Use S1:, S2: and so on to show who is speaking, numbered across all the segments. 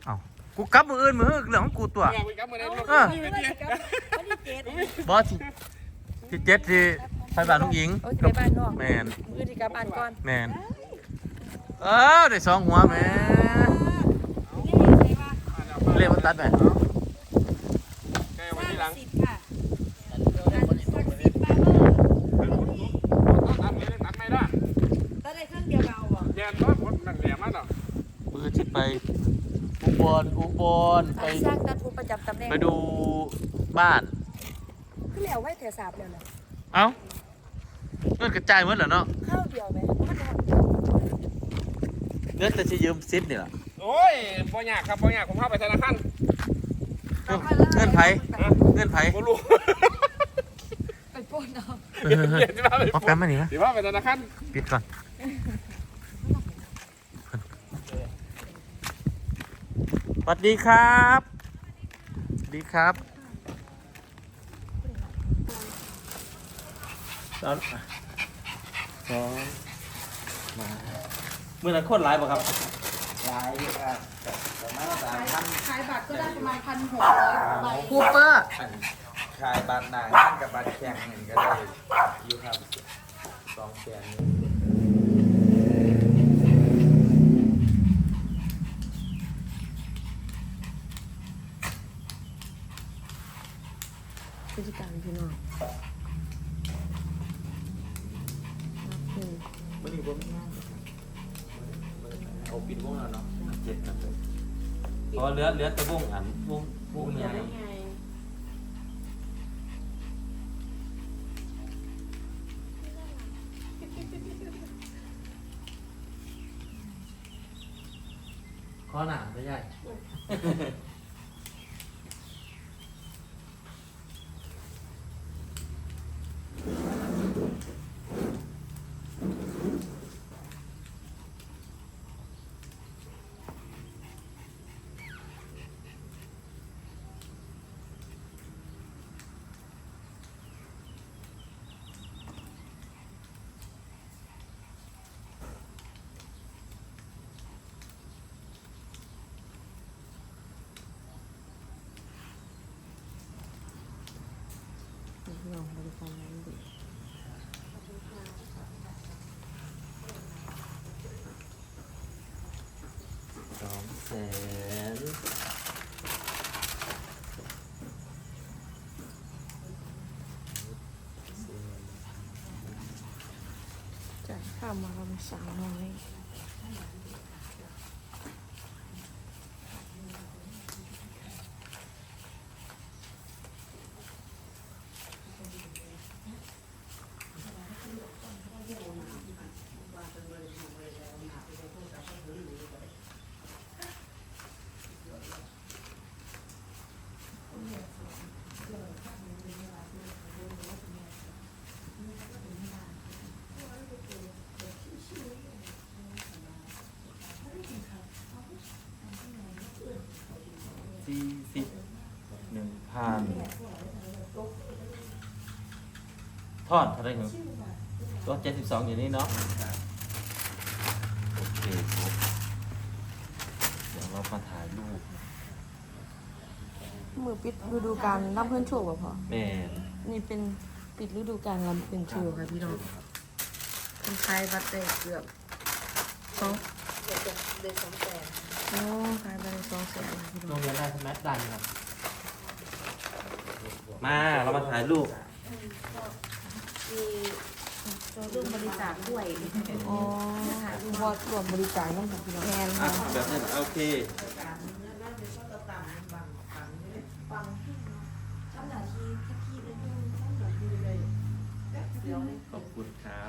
S1: เอ้ากูกลับมืออื่นมือเรื่องของกูตัวบอสที่เจ็ดที่ไปบ้านลุงหญิง
S2: โอ้ยไปบ้านนอก
S1: แมน
S2: มือที่กลับบ้านก่อน
S1: แมนได้สองหัวแม่เรียกมันตัดไหม
S3: แกวันที่หลัง
S4: 10ค่ะตัดไม่ได้ตัดได้เครื่องเดียวเอาบ่
S3: แย่น้อยผลนั่นแหลมมันหรอ
S1: มือที่ไปอุบลไป
S2: สร้างตัดผู้ประจำตำแหน่ง
S1: ไปดูบ้าน
S2: คือแล้วไว้แถวสาบแล้วนะ
S1: เอ้าเงินกระจายหมดเหรอเนาะ
S2: ข้าวเดียวไหมมันเอา
S1: เงินแต่จะยืมซิปนี่แหละ
S3: โอ้ยบ่ยากครับบ่ยากผมเข้าไปธนาคาร
S1: เงินไผเงินไผ
S3: บ่รู้
S2: ไปปล้นเอา
S3: เดี๋ยวที่ว่าไป
S1: ป๊อปแป๊มมาหนิวะ
S3: เดี๋ยวว่าไปธนาคาร
S1: ปิดก่อนสวัสดีครับสวัสดีครับตอนมาเมื่อนั้นโคตรไลฟ์ป่ะครับ
S5: หลายอยู่ครับประมาณ3,000
S4: ขายบัตรก็ได้ประมาณ1,600ใบ
S2: คูเปอร์
S5: ขายบัตรหนาขั้นกับบัตรแข่งนี่ก็ได้อยู่ครับ2แสน
S2: พฤติกรรมพี่น้อง
S5: วันนี้ผมเอาปิดวงแล้วเนาะ7ครับเลย
S1: เพราะเหลือแต่วงอันวงเนี่ยข้อหนามไม่ใช่
S2: พี่น้องบริการนั้นดี
S1: 200,000
S2: จ่ายค่ามาประมาณ300
S1: ทอดเท่าไหรหนูตัว72อยู่นี่เนาะโอเคครับเดี๋ยวเรามาถ่ายรูป
S2: มือปิดฤดูกาลรับเพื่อนโชว์ป่ะพ่อ
S1: แม่น
S2: นี่เป็นปิดฤดูกาลรับเพื่อนโชว์ค่ะพี่น้องเป็นขายบัตรได้เกือบ2โอ้ขายบัตรได้200,000ค่ะพี่
S1: โร
S2: น้อง
S1: งเรียนได้สมัครได้ครับ มาเรามาถ่ายรูป
S4: ร่วมบริจาคด้วย
S2: อ๋อวอดรวมบริจาคน้องค่ะพี่น้องแทน
S1: อ่ะ
S2: ค่ะ
S1: แบบนั้นโอเค ขอบคุณครับ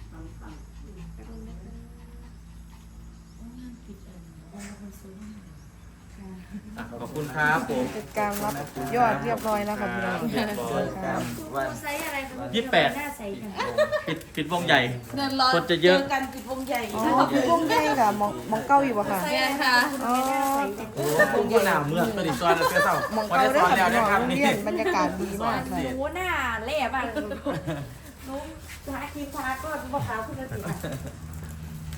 S1: อ่ะขอบคุณครับผม
S2: จัดการรับยอดเรียบร้อยแล้วค่ะพี่น้อง
S1: เรียบร้อยครับ
S5: วัน
S4: ไซส์อะไรคะ
S1: 28
S4: หน้าไซส์กัน
S1: ปิดวงใหญ่
S4: เดินรอ
S1: คนจะเยอะ
S4: กันปิดวงใหญ่
S2: อ๋อพี่วงใหญ่ค่ะมองเก้าอยู่ป่ะค่ะ
S4: ไซส์ค่ะ
S2: อ๋อ
S1: ผมก็หนาวเมื่อตัวนี้ซอยแล้วเสื้อเศร้าม
S2: องเก้าได้ค่ะพี่น้องโรงเรียนบรรยากาศดีมากค่ะ
S4: หนูหน้าเละบ้างหนูทาครีมทาก็บอกขาวขึ้นมาสิค่ะ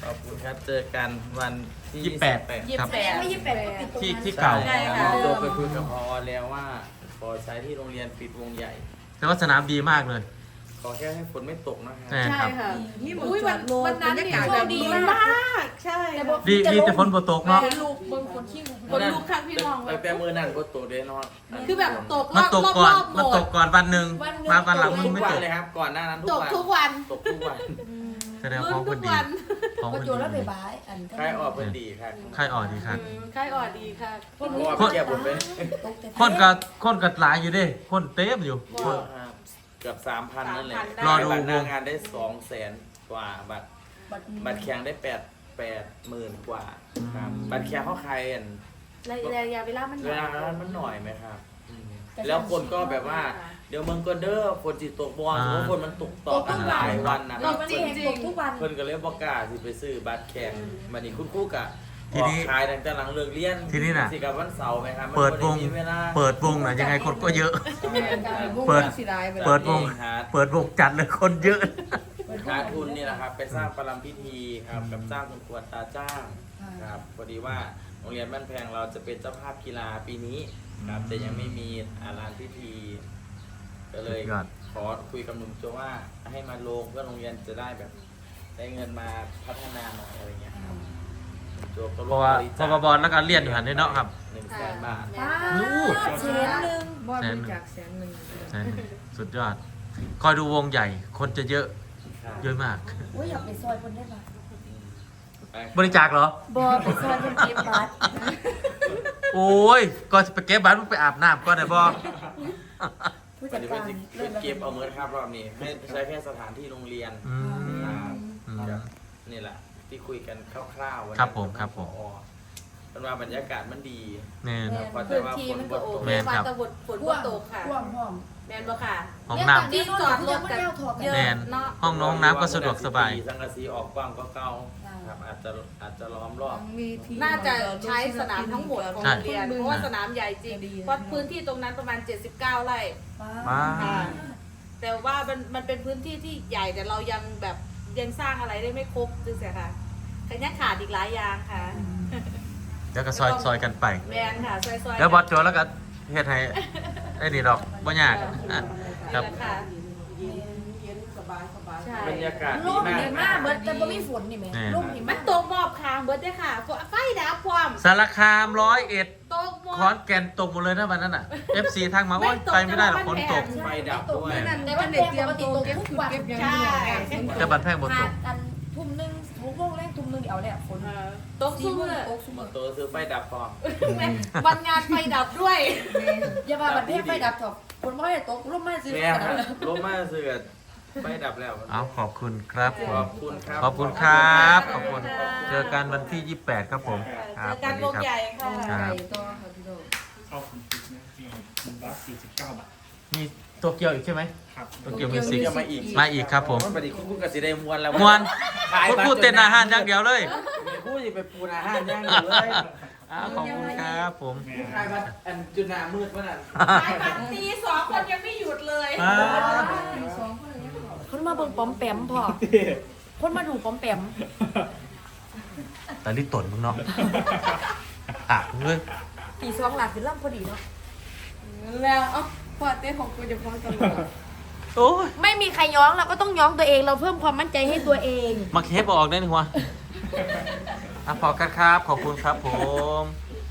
S5: ขอบคุณครับเจอกันวันที่
S1: 28 ครับ
S4: ไม่28ก็ปิดตรงนั้น
S1: ที่เก่า
S5: ใช่ครับตัวไปคุยกับพอแล้วว่าขอใช้ที่โรงเรียนปิดวงใหญ่
S1: แต่ว่าสนามดีมากเลย
S5: ขอแค่ให้ฝนไม่ตกนะครั
S1: ใช่ครับ
S4: ที่หมด
S2: อุ้ย
S4: จอดรถ
S2: วันนั้น
S4: บรร
S2: เนี่ย
S4: ยากาศ
S2: โช
S4: แบ
S2: ค
S4: บ
S2: ดี
S4: ดี
S2: มาม
S4: าก กใช่
S1: ดีแต่ฝนบ่ตกเนาะ
S2: คนลูกเบิ่งคนขี้คนลูกข้างพี่น้อง
S5: ไปแต่มือนั่นก็ตกเด้นอน
S2: คือแบบตกร
S1: มัน
S2: อบ
S1: ตก
S2: รอบ
S1: ก่อน
S2: รอบหม
S1: มันต
S2: ด
S1: กก่อนวันหนึ่งมาวันหลังมัน
S5: ทุก
S1: ไม่
S5: วัน
S1: ตก
S5: เลยครับก่อนหน้านั้น
S2: ตกทุกวัน
S5: ตกทุกวัน
S1: แสดงของคนดีของ
S4: ก็
S1: คน
S4: โจรแล้วไป
S1: ดี
S4: บายอัน
S5: ใครออกเป็นดีครับ
S1: ใครอ่อนดีครับ
S2: ใครอ่อนดีค่ะ
S5: เพราะว่าไปเก็บผมเป็น
S4: ตกแต่
S1: คนกัดหลายอยู่เดิคนเต็มอยู่
S5: เกือบ 3,000 นั่นแหละ
S1: รอดู
S5: บัตรหน้างานได้ 200,000 กว่าบัตรแข่งได้80,000 กว่าครับบัตรแข่งเขาใครอัน
S2: ระยะเวลามัน
S5: เวลามันหน่อยไหมครับแล้วคนก็แบบว่า เดี๋ยวมึงก็เด้อคนจิตตกบอลเพราะคนมันตกต่อกันหลายวันนะค
S4: ต
S5: รับ
S4: กจริงตกทุกวัน
S5: เพิ่นก็เลยบอกกล้าสิไปซื้อบัตรแข่งมันนี่คุณครู่กะ
S1: ที
S5: ออก
S1: นี้
S5: ขายตั้งแต่หลังเลิกเรียน
S1: ทีนี้น่ะ
S5: สิกับวันเสาร์ไหมครับมัน
S1: เปิดวง
S5: บ่ไมีเวลา
S1: เปิดวงน่ะยังไงคนก็เยอะ
S2: เปิดสีได้ไป
S1: เปิดวง เปิดวงจัดเลยคนเยอะ
S5: หาทุนนี่แหละครับไปสร้างประลัมพิธีครับกับสร้างคุณครูอัตราจ้างครับพอดีว่าโรงเรียนบ้านแพงเราจะเป็นเจ้าภาพกีฬาปีนี้ครับแต่ยังไม่มีลานพิธี ก็เลย
S1: สุดยอด
S5: ขอคุยกับหนุ่มโจว่าให้มาลงเพื่อโรงเรียนจะได้แบบได้เงินมาพัฒนาหน่อยอะไรเงี้ยครับหนุ่มโจก็
S1: เพราะว่า
S5: บริ
S1: พ
S5: จาค
S1: บแล้วก็เรียนอยู่หันได้เนาะครับ
S5: 100,000 บาท
S1: ลูก
S4: เสียหนึ่ง
S2: บอลบริจาค100,000
S1: ใช่สุดยอด คอยดูวงใหญ่ คนจะเยอะ เยอะมาก
S4: โอ้ยอยากไปซอยคนได้ปะ
S1: บริจาคเหรอ
S4: บอไปซอยคนเก็บบัตร
S1: โอ้ย ก็ไปเก็บบัตรมึงไปอาบน้ำก่อนได้บ่
S4: ผู้
S5: ป
S4: จัด
S5: ฏิ
S4: กา
S5: บั
S4: ร
S5: ติเก็บเอาเงินครับรอบนี้ให้ใช้แค่สถานที่โรงเรียน
S1: อืม
S5: ครับ
S1: อืม
S5: ครับนี่แหละที่คุยกันคร่าวๆวันนี้
S1: ครับผมครับผม
S5: เป็นว่าบรรยากาศมันดี
S1: แน่น
S5: พอจะ
S2: พื้น
S5: ว่า
S2: ที่
S5: ฝน
S2: มัน
S5: บ
S2: ก็
S5: ด
S2: โอ
S5: ตก
S2: เค
S1: แม่น
S2: ฟ้า
S1: ครับ
S2: ตะวันฝน
S4: พ่
S2: ก็
S4: วง
S2: ตกค่ะ
S4: พ่วงพ่วง
S2: แมนบ่ค่ะ
S1: ห้องน้ำ
S2: ที่จอดรถกันเยอะ
S1: แน่น
S2: เนาะ
S1: ห้องน้ำก็สะดวกสบาย
S5: สังกะสีออกกว้างก็เก่าครับอาจจะล้อมรอบ
S2: น่าจะใช้สนามทั้งหมดของ
S1: ใช่
S2: โรงเรียนเพราะว่าสนามใหญ่จริงเพราะพื้นที่ตรงนั้นประมาณ 79 ไร่
S1: มา
S2: แต่ว่ามันเป็นพื้นที่ที่ใหญ่แต่เรายังแบบยังสร้างอะไรได้ไม่ครบจึงเสียค่ะขยันขาดอีกหลายอย่างค่ะ
S1: แล้วก็ซอยกันไป
S2: แมนค่ะซอยๆ
S1: แล้วบอสโจแล้วก็เฮ็ดให้ไอ้นี่ดอกบ่ยากอ่ะครับ
S2: ค่ะใช่
S5: บรรยากาศ
S4: ล
S5: ดี
S4: ม
S5: มาก
S4: ดีมากเบิดแต่บ่มีฝนนี่แม่ลมดี
S2: มั
S4: มาน ก
S2: ตกหมอบคางเบิดได้อค่ะไฟดับความ
S1: สารคาม101
S2: ตกหมอ
S1: ขอนแก่นตกหมดเลยนะวันนั้นอ่ะ FC ทางมาโอ๊ยไปไม่ได้หรอกฝนตก
S5: ไฟดับด้วย
S4: แต่ว่าแพงปกติตกทุกวัน
S2: ใช่
S1: แต่บันแพงบนตก
S4: กันทุ่มหนึ่งทุกโมงแรกทุ่มหนึ่งเดี๋ยวเนี่ยฝน
S2: ตก
S4: สี่
S2: สู้
S4: โมง
S2: เลย
S4: ตกซุ่ม
S5: มอเตอร์ซื้อไฟดับพร้อม
S2: วันงานไฟดับด้วย
S4: อย่ามาบัดเพไฟดับถอกฝนไม่ได้ตกลมไม่ซื้อ
S5: แม่ครับลมมาซื้อไฟดับแล้ว
S1: เอาขอบคุณครับผ
S5: ข
S1: ม
S5: อบคุณครับ
S1: ขอบคุณครับขอบคุณเจอกันวันที่ 28 ครับผมค
S2: เจ
S1: รับ
S2: อ
S1: ส
S2: กั
S1: วัน ส
S2: ว
S1: ดี
S2: ง
S1: ครับ
S2: ใหญ่ค่ะ
S1: ครับ
S3: เข้าคุณติ๊กนะนี่149 บาท
S1: มีตัวเกียวอีกใช่ไหม
S3: ครับ
S1: ตัวเกียวมิวสิก
S5: มาอีก
S1: มาอีกครับผม
S5: ปฏิคุณกสิได้มวนแล้ว
S1: มวนคุณพูดเต้นอาหารอย่างเดียวเลย
S5: พูดไปปูนอาหารย่างอยู่เลย
S1: ขอบคุณครับผม
S5: ใครมาอันจุนามืดวะนั่น
S2: สายพันตี2 คนยังไม่หยุดเลย
S4: คนมาเบิ่งป้อมแปมพอคนมาดูป้อมแปม
S1: แต่รีบตนมึงเนาะอ่ะเฮ้ย
S4: ตีสองหลักคือล่ำพอดีเนาะ
S2: แล้วเอ้าพอเต้ของกูจะพ้องตลอด
S1: โอ้ย
S4: ไม่มีใครย้องเราก็ต้องย้องตัวเองเราเพิ่มความมั่นใจให้ตัวเอง
S1: มาเคฟออกได้หนึ่งวะอ่ะพอกันครับ ขอบคุณครับผม
S4: ข